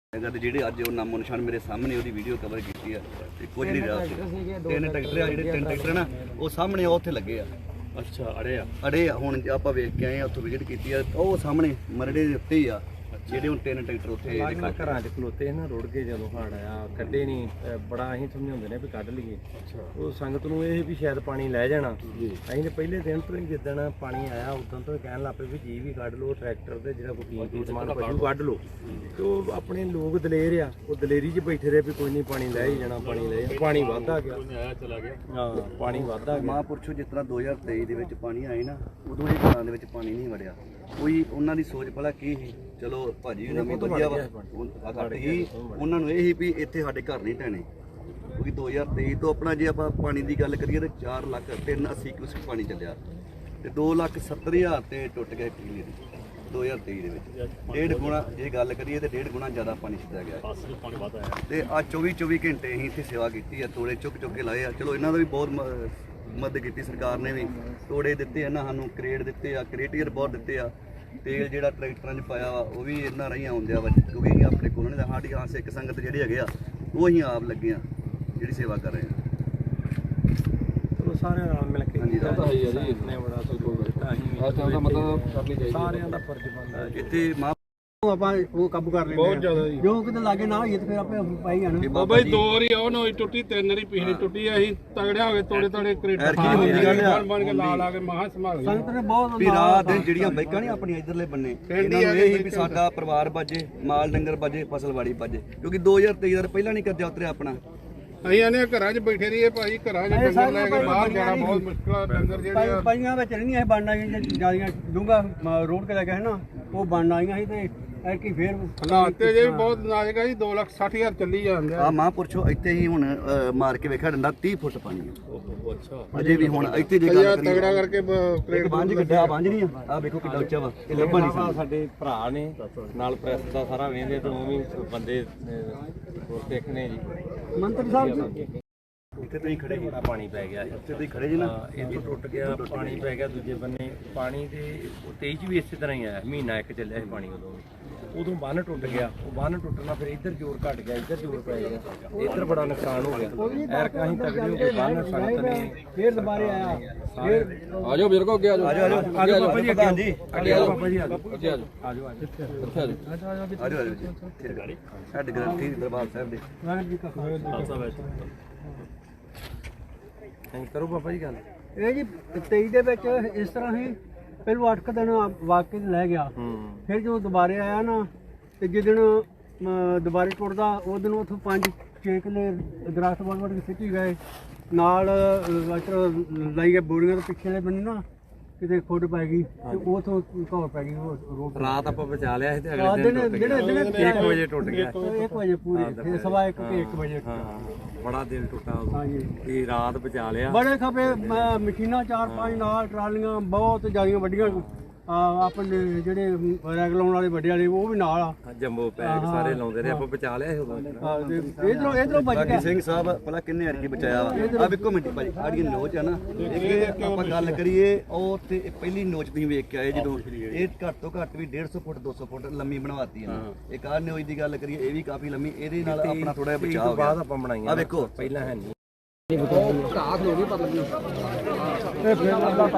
ਜਿਹੜੇ ਅੱਜ ਉਹ ਨਾਮੋ ਨਿਸ਼ਾਨ ਮੇਰੇ ਸਾਹਮਣੇ ਉਹਦੀ ਵੀਡੀਓ ਕਵਰ ਕੀਤੀ ਆ ਤੇ ਕੁਝ ਨਹੀਂ ਰਿਹਾ ਤਿੰਨ ਟਰੈਕਟਰ ਆ ਜਿਹੜੇ ਤਿੰਨ ਟਰੈਕਟਰ ਨਾ ਉਹ ਸਾਹਮਣੇ ਉੱਥੇ ਲੱਗੇ ਆ। ਅੱਛਾ ਅੜੇ ਆ ਹੁਣ ਆਪਾਂ ਵੇਖ ਕੇ ਆਏ ਆ ਉੱਥੋਂ ਵਿਜ਼ਿਟ ਕੀਤੀ ਆ ਉਹ ਸਾਹਮਣੇ ਮਰੜੇ ਦੇ ਉੱਤੇ ਹੀ ਆ ਜਿਹੜੇ ਹੁਣ ਤਿੰਨ ਟਰੈਕਟਰ ਉੱਥੇ ਘਰਾਂ 'ਚ ਖਲੋਤੇ ਨਾ ਰੁੜ ਕੇ ਜਦੋਂ ਹੜ ਆਇਆ ਕੱਢੇ ਨਹੀਂ ਬੜਾ ਅਸੀਂ ਸਮਝਾਉਂਦੇ ਨੇ ਵੀ ਕੱਢ ਲਈਏ। ਉਹ ਸੰਗਤ ਨੂੰ ਇਹ ਵੀ ਸ਼ਾਇਦ ਪਾਣੀ ਲੈ ਜਾਣਾ ਅਸੀਂ ਤੇ ਪਹਿਲੇ ਦਿਨ ਤੋਂ ਹੀ ਜਿੱਦਣ ਪਾਣੀ ਆਇਆ ਉਦੋਂ ਤੋਂ ਕਹਿਣ ਲੱਗ ਪਏ ਵੀ ਜੀ ਵੀ ਕੱਢ ਲਓ ਟਰੈਕਟਰ ਤੇ ਜਿਹੜਾ ਕੋਈ ਕੀਮਤੀ ਸਮਾਨ ਪਸ਼ੂ ਕੱਢ ਲਓ ਤੇ ਉਹ ਆਪਣੇ ਲੋਕ ਦਲੇਰ ਆ ਉਹ ਦਲੇਰੀ 'ਚ ਬੈਠੇ ਰਹੇ ਵੀ ਕੋਈ ਨਹੀਂ ਪਾਣੀ ਲੈ ਹੀ ਜਾਣਾ ਪਾਣੀ ਵੱਧਦਾ ਗਿਆ ਹਾਂ ਪਾਣੀ ਵੱਧਦਾ ਗਿਆ। ਮਹਾਂਪੁਰਸ਼ੋ ਜਿਸ ਤਰ੍ਹਾਂ 2023 ਦੇ ਵਿੱਚ ਪਾਣੀ ਆਏ ਨਾ ਉਦੋਂ ਇਹ ਘਰਾਂ ਦੇ ਵਿੱਚ ਪਾਣੀ ਨਹੀਂ ਵੜਿਆ ਕੋਈ ਉਹਨਾਂ ਦੀ ਸੋਚ ਭਲਾ ਕੀ ਸੀ। ਚਲੋ ਭਾਜੀ ਨਵੀਂ ਵਧੀਆ ਵਾ ਘੱਟ ਹੀ ਉਹਨਾਂ ਨੂੰ ਇਹ ਸੀ ਵੀ ਇੱਥੇ ਸਾਡੇ ਘਰ ਨਹੀਂ ਢਹਿਣੇ ਕਿਉਂਕਿ 2023 ਤੋਂ ਆਪਣਾ ਜੇ ਆਪਾਂ ਪਾਣੀ ਦੀ ਗੱਲ ਕਰੀਏ ਤਾਂ 4,380,000 ਕਿਊਸੈਕ ਪਾਣੀ ਚੱਲਿਆ ਤੇ 2,70,000 ਤੇ ਟੁੱਟ ਗਿਆ ਪਿਛਲੇ ਦੀ 2023 ਦੇ ਵਿੱਚ ਡੇਢ ਗੁਣਾ ਜੇ ਗੱਲ ਕਰੀਏ ਤੇ ਡੇਢ ਗੁਣਾ ਜ਼ਿਆਦਾ ਪਾਣੀ ਛੱਡਿਆ ਗਿਆ ਤੇ ਆ 24 ਘੰਟੇ ਅਸੀਂ ਇੱਥੇ ਸੇਵਾ ਕੀਤੀ ਆ ਤੋੜੇ ਚੁੱਕ ਕੇ ਲਾਏ ਆ। ਚਲੋ ਇਹਨਾਂ ਦਾ ਵੀ ਬਹੁਤ ਮਦਦ ਕੀਤੀ ਸਰਕਾਰ ਨੇ ਵੀ ਤੋੜੇ ਦਿੱਤੇ ਇਹਨਾਂ ਸਾਨੂੰ ਕਰੇਟ ਦਿੱਤੇ ਆ ਕਰੇਟੀਅਰ ਬਹੁਤ ਦਿੱਤੇ ਆ ਤੇਲ ਜਿਹੜਾ ਟਰੈਕਟਰਾਂ 'ਚ ਪਾਇਆ ਵਾ ਉਹ ਵੀ ਇਹਨਾਂ ਰਾਹੀਂ ਆਉਂਦਿਆ ਵਾ ਕਿਉਂਕਿ ਅਸੀਂ ਆਪਣੇ ਕੋਲ ਨਹੀਂ ਸਾਡੀ ਹਾਂ ਸਿੱਖ ਸੰਗਤ ਜਿਹੜੇ ਹੈਗੇ ਆ ਉਹ ਅਸੀਂ ਆਪ ਲੱਗੇ ਆ ਜਿਹੜੀ ਸੇਵਾ ਕਰ ਰਹੇ ਆ। ਚਲੋ ਸਾਰਿਆਂ ਨਾਲ ਮਿਲ ਕੇ ਆਪਣੇ ਬੜਾ ਸਹਿਯੋਗ ਦਿੱਤਾ ਅਸੀਂ ਸਾਰਿਆਂ ਦਾ ਫਰਜ਼ ਬਣਦਾ ਇੱਥੇ ਆਪਾਂ ਉਹ ਕਾਬੂ ਕਰ ਲੈਂਦੇ ਬਹੁਤ ਜ਼ਿਆਦਾ ਜੀ ਜੋ ਕਿਤੇ ਲਾਗੇ ਨਾ ਹੋਈਏ ਤੇ ਫਿਰ ਆਪੇ ਪਾਈ ਜਾਣਾ ਬਾਬਾ ਜੀ 2 ਵਾਰੀ ਉਹ ਨੋਈ ਟੁੱਟੀ 3 ਵਾਰੀ ਪਿਛਲੀ ਟੁੱਟੀ ਅਸੀਂ ਤਗੜਿਆ ਹੋ ਗਏ ਤੋੜੇ ਕਰੇਟ ਬਣ ਕੇ ਲਾ ਕੇ ਮਹਾ ਸੰਭਾਲ ਸੰਗਤ ਨੇ ਬਹੁਤ ਵੀ ਰਾਤ ਦਿਨ ਜਿਹੜੀਆਂ ਬਾਈਕਾਂ ਨਹੀਂ ਆਪਣੀਆਂ ਇਧਰਲੇ ਬੰਨੇ ਇਹਨਾਂ ਨੂੰ ਇਹ ਹੀ ਵੀ ਸਾਡਾ ਪਰਿਵਾਰ ਬਾਜੇ ਮਾਲ ਡੰਗਰ ਬਾਜੇ ਫਸਲਵਾੜੀ ਬਾਜੇ ਕਿਉਂਕਿ 2023 ਦਾ ਪਹਿਲਾਂ ਨਹੀਂ ਕਰਜ਼ਾ ਉਤਰਿਆ ਆਪਣਾ ਅਸੀਂ ਆਨੇ ਘਰਾਂ 'ਚ ਬੈਠੇ ਰਹੀਏ ਭਾਈ ਘਰਾਂ 'ਚ ਡੰਗਰ ਲੈ ਕੇ ਬਾਹਰ ਜਾਣਾ ਬਹੁਤ ਮੁਸ਼ਕਲ ਆ ਡੰਗਰ ਜਿਹੜੇ ਪਾਈਆਂ ਵਿੱਚ ਨਹੀਂ ਇਹ ਬਣਨ ਆਈਆਂ ਜਿਆਦੀਆਂ ਡੂੰਗਾ ਰੋਡ ਤੇ ਲੱਗਾ ਹੈ ਨਾ ਉਹ ਬਣਨ ਆਈਆਂ ਸੀ ਤੇ ਐਰਕੀ ਫੇਰ ਹਾਲਾਤ ਤੇ ਜੇ ਬਹੁਤ ਨਾਜ਼ੁਕ ਆ ਜੀ 2,60,000 ਚੱਲੀ ਜਾਂਦੇ ਆ। ਮਹਾਂਪੁਰਸ਼ੋ ਇੱਥੇ ਹੀ ਹੁਣ ਮਾਰ ਕੇ ਵੇਖਿਆ ਡੰਡਾ 30 ਫੁੱਟ ਪਾਣੀ ਆ। ਅੱਛਾ ਅਜੇ ਵੀ ਹੁਣ ਇੱਥੇ ਜੇ ਗੱਲ ਕਰੀਏ ਤਗੜਾ ਕਰਕੇ ਕਰੇਟ ਬੰਜ ਕੱਢਿਆ ਬੰਜ ਨਹੀਂ ਆ ਵੇਖੋ ਕਿੰਨਾ ਉੱਚਾ ਵਾ ਇਹ ਲੱਭਾ ਨਹੀਂ ਸਾਡੇ ਭਰਾ ਨੇ ਨਾਲ ਪ੍ਰੈਸ ਦਾ ਸਾਰਾ ਵੇਂਦੇ ਤੇ ਉਹ ਵੀ ਬੰਦੇ ਹੋਰ ਦੇਖਣੇ ਜੀ ਮੰਤਰੀ ਸਾਹਿਬ ਜੀ ਇੱਥੇ ਤੁਸੀਂ ਖੜੇ ਜੀ ਬੜਾ ਪਾਣੀ ਪੈ ਗਿਆ ਇੱਥੇ ਤੁਸੀਂ ਖੜੇ ਜੀ ਨਾ ਇੱਥੋਂ ਟੁੱਟ ਗਿਆ ਪਾਣੀ ਪੈ ਗਿਆ ਦੂਜੇ ਬੰਨੇ ਪਾਣੀ ਦੇ 23 ਚ ਵੀ ਇਸੇ ਤਰ੍ਹਾਂ ਹੀ ਆਇਆ ਮਹੀਨਾ ਇੱਕ ਚੱਲਿਆ ਸੀ ਪਾਣੀ ਉਦੋਂ ਬੰਨ ਟੁੱਟ ਗਿਆ ਉਹ ਬੰਨ ਟੁੱਟਣਾ ਫਿਰ ਇੱਧਰ ਜ਼ੋਰ ਘਟ ਗਿਆ ਇੱਧਰ ਜ਼ੋਰ ਪੈ ਗਿਆ ਇੱਧਰ ਬੜਾ ਨੁਕਸਾਨ ਹੋ ਗਿਆ ਐਰਕਾਂ ਹੀ ਤਗੜੇ ਹੋ ਕੇ ਬੰਨ ਸੰਗਤ ਨੇ ਫੇਰ ਦੁਬਾਰੇ ਆਇਆ ਫੇਰ ਆਜੋ ਮੇਰੇ ਕੋ ਅੱਗੇ ਆਜੋ ਆਜੋ ਬਾਬਾ ਜੀ ਪ੍ਰਧਾਨ ਜੀ ਅੱਗੇ ਆਜੋ ਬਾਬਾ ਜੀ ਆਜੋ ਆਜੋ ਸਾਡੇ ਗ੍ਰੰਥੀ ਦਰਬਾਰ ਸਾਹਿਬ ਦੇ ਵਾਹਿਗੁਰੂ ਜੀ ਕਾ ਖਾਲਸਾ ਕਰੋ ਬਾਬਾ ਜੀ ਗੱਲ ਇਹ ਜੀ 23 ਦੇ ਵਿੱਚ ਇਸ ਤਰ੍ਹਾਂ ਹੀ ਪਹਿਲੋਂ 8 ਦਿਨ ਵਾਕੇ ਲੈ ਗਿਆ ਫਿਰ ਜਦੋਂ ਦੁਬਾਰੇ ਆਇਆ ਨਾ ਤੇ ਜਿੱਦਣ ਦੁਬਾਰੇ ਟੁੱਟਦਾ ਉਹ ਦਿਨ ਉੱਥੋਂ 5-6 ਕਿੱਲੇ ਦਰਖਤ ਵੱਢ ਕੇ ਸਿੱਟੀ ਗਏ ਨਾਲ ਲਾਈ ਗਏ ਬੋਰੀਆਂ ਦੇ ਪਿੱਛੇ ਬੰਨੇ ਨਾ ਕਿਤੇ ਖੁੱਡ ਪੈ ਗਈ ਤੇ ਉਥੋਂ ਘੌਰ ਪੈ ਗਈ ਰੋਡ ਰਾਤ ਆਪਾਂ ਬਚਾ ਲਿਆ ਸੀ ਤੇ ਅਗਲੇ ਦਿਨ 1 ਵਜੇ ਟੁੱਟ ਗਿਆ 1 ਵਜੇ ਪੂਰੇ ਫਿਰ ਸਵਾ 1 ਵਜੇ ਬੜਾ ਦਿਲ ਟੁੱਟਾ ਇਹ ਰਾਤ ਬਚਾ ਲਿਆ ਬੜੇ ਖਪੇ ਮਸ਼ੀਨਾਂ 4-5 ਨਾਲ ਟਰਾਲੀਆਂ ਬਹੁਤ ਜ਼ਿਆਦੀਆਂ ਵੱਡੀਆਂ ਆਪਣੇ ਜਿਹੜੇ ਰੈਗ ਲਾਉਣ ਵਾਲੇ ਵੱਡੇ ਵਾਲੇ ਉਹ ਵੀ ਨਾਲ ਆ ਜੰਬੋ ਪੈਕ ਸਾਰੇ ਲਾਉਂਦੇ ਰਹੇ ਆਪਾਂ ਬਚਾ ਲਿਆ ਸੀ ਉਦੋਂ ਇਧਰੋਂ ਬਚ ਗਿਆ ਸਿੰਘ ਸਾਹਿਬ ਪਹਿਲਾਂ ਕਿੰਨੇ ਅਰਗੀ ਬਚਾਇਆ ਵਾ ਆ ਵੇਖੋ ਮਿੰਟੀ ਭਾਜੀ ਆੜੀ ਨੋਚ ਆ ਨਾ ਇੱਕ ਆਪਾਂ ਗੱਲ ਕਰੀਏ ਉਹ ਤੇ ਪਹਿਲੀ ਨੋਚ ਤੁਸੀਂ ਵੇਖ ਕੇ ਆਏ ਜਦੋਂ ਇਹ ਘੱਟ ਤੋਂ ਘੱਟ ਵੀ 150 ਫੁੱਟ 200 ਫੁੱਟ ਲੰਮੀ ਬਣਵਾਤੀ ਆ ਇੱਕ ਆਹ ਨੋਚ ਦੀ ਗੱਲ ਕਰੀਏ ਇਹ ਵੀ ਕਾਫੀ ਲੰਮੀ ਇਹਦੇ ਨਾਲ ਆਪਣਾ ਥੋੜਾ ਜਿਹਾ ਬਚਾਅ ਹੋ ਗਿਆ ਬਾਅਦ ਆਪਾਂ ਬਣਾਈਆਂ ਆ ਵੇਖੋ ਪਹਿਲਾਂ ਹੈ ਨਹੀਂ